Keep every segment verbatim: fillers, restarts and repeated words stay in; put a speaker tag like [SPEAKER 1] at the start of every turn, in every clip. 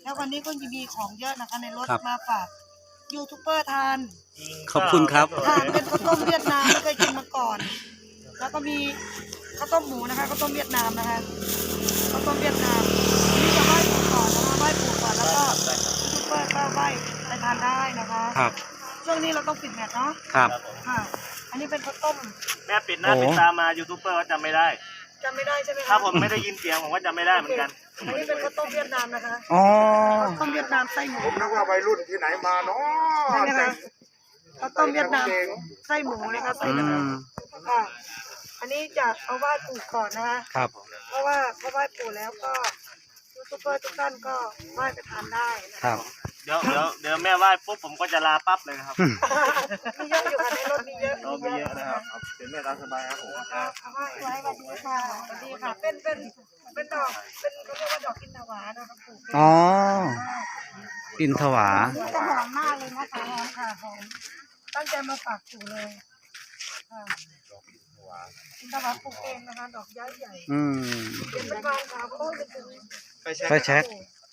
[SPEAKER 1] แล้ววันนี้ก็จะมีของเยอะนะคะในรถมาฝากยูทูบเบอร์ทาน
[SPEAKER 2] ขอบคุณครับ
[SPEAKER 1] ทานเป็นข้าวต้มเวียดนามไม่เคยกินมาก่อน แล้วก็มีข้าวต้มหมูนะคะข้าวต้มเวียดนามนะคะข้าวต้มเวียดนามนี่จะไหว้ปู่ก่อนนะคะไหว้ปู่ก่อนแล้วก็ยูทูบเบอร์ก็ไหว้ไปทานได้นะคะ
[SPEAKER 2] ครับ
[SPEAKER 1] ช่วงนี้เราต้องปิดแมทเนาะ
[SPEAKER 2] ครับ
[SPEAKER 1] ค่ะอันนี้เป็นข้าวต้ม
[SPEAKER 3] แม่ปิดหน้าปิดตามายูทูบเบอร์ก็จำไม่ได้
[SPEAKER 1] จำไม่ได้ใช่ไหมคะ
[SPEAKER 3] ถ้าผมไม่ได้ยินเสียงผมก็จำไม่ได้เหมือนกัน
[SPEAKER 1] อันนี้เป็นข้าวต้มเวียดนามนะคะ
[SPEAKER 2] อ๋อ
[SPEAKER 1] ข้าวต้มเวียดนามไส้หมู
[SPEAKER 4] ผมนึกว่าวัยรุ่นที่ไหนมาเนาะ
[SPEAKER 1] ใช่ไหมคะข้าวต้มเวียดนามไส้หมูนะคะไส้
[SPEAKER 2] อื
[SPEAKER 1] กระดู
[SPEAKER 2] ม
[SPEAKER 1] กค่ะ อันนี้จะเอาไหว้ปู่ก่อนนะคะ
[SPEAKER 2] ครับ
[SPEAKER 1] เพราะว่าพอไหว้ปู่แล้วก็ยูทูบเบอร์ทุกท่านก็ไหว้ไปทานได้นะครับ
[SPEAKER 3] เดี๋ยวเดี๋ยวเดี๋ยวแม่ไหว้ปุ๊บผมก็จะลาปั๊บเลยนะครับ
[SPEAKER 1] มีเยอะอยู่ค่ะในรถมีเยอะ
[SPEAKER 3] เรามีเยอะนะครับเป็นแม่ตามสบายครับผม
[SPEAKER 1] ค่ะเอาไหว้ไว้สวัสดีค่ะสวัสดีค่ะ เป็นเป็นเป็นดอกเป็นเขาเรียกว่าดอกกินตวานะคะปู่
[SPEAKER 2] อ๋อ อินทวา
[SPEAKER 1] จะหอมมากเลยนะคะหอมค่ะหอมตั้งใจมาฝากปู่เลยค่ะกินตวาปลูกเองนะคะ ดอกย้ายใหญ่
[SPEAKER 2] อืม
[SPEAKER 1] เห็นเป็นบานขาวโค้งเป็นถึง
[SPEAKER 3] ไปเช็ค
[SPEAKER 2] ไปเช็ค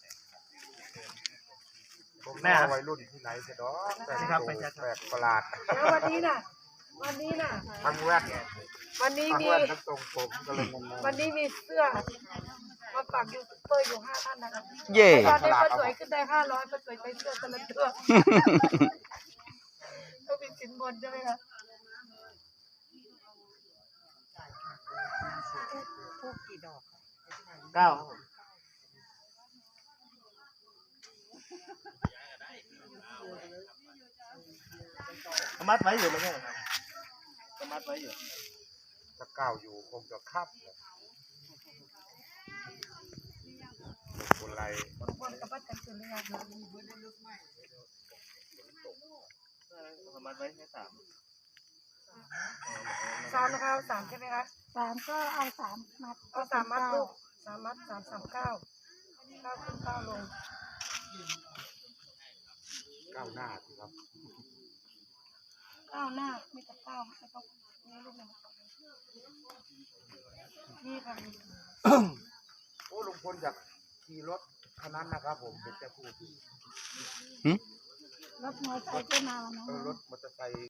[SPEAKER 4] ผมนึกว่าวัยรุ่นที่ไหนเสียดอกแต่งตัวแปลกประหลาด
[SPEAKER 1] แล้ววันนี้น่ะ วันนี้น่ะ
[SPEAKER 4] ทั้งแว่น
[SPEAKER 1] วันนี้
[SPEAKER 4] ทั้ง
[SPEAKER 1] มี
[SPEAKER 4] แว่นทั้งทรงผมก็เลยงง
[SPEAKER 1] วันนี้มีเสื้อมาฝากยูทูบเบอร์อยู่ห้าท่านนะคะ
[SPEAKER 2] เย่
[SPEAKER 1] ตอนนี้ป้าสวยขึ้นได้ห้าร้อยป้าสวยใช้เสื้อแต่ละตัวต้องมีสินบนใช่ไหมคะ
[SPEAKER 3] เก้าสมัดไว้อยู่ไหมแม่สมัดไว้อยู่
[SPEAKER 4] ๆถ้าก้าวอยู่คงจะคับคนไร
[SPEAKER 1] คนคนกับป้าจันทร์เลยค่ะ
[SPEAKER 3] สมัดไว้แค่สาม
[SPEAKER 1] สามนะคะสามใช่ไหมคะ
[SPEAKER 5] สามก็เอาสามมัด
[SPEAKER 1] เอาสามมัดลูกสามมัดสามสามเก้าเก้าขึ้นเก้าลง
[SPEAKER 4] ก้าวหน้าสิครับ
[SPEAKER 1] เก้าหน้าไม่แต่เก้าไม่ต้องนี่ลูกหนึ่งนี่ค่ะ
[SPEAKER 4] โอ้ลุงพลอยากขี่รถคันนั้นนะครับผมเป็นเจ้าคู่ที่
[SPEAKER 5] รถมอเตอร์ไซค์ก็มา
[SPEAKER 4] เออ
[SPEAKER 5] เนาะ
[SPEAKER 4] รถมอเตอร์ไซค์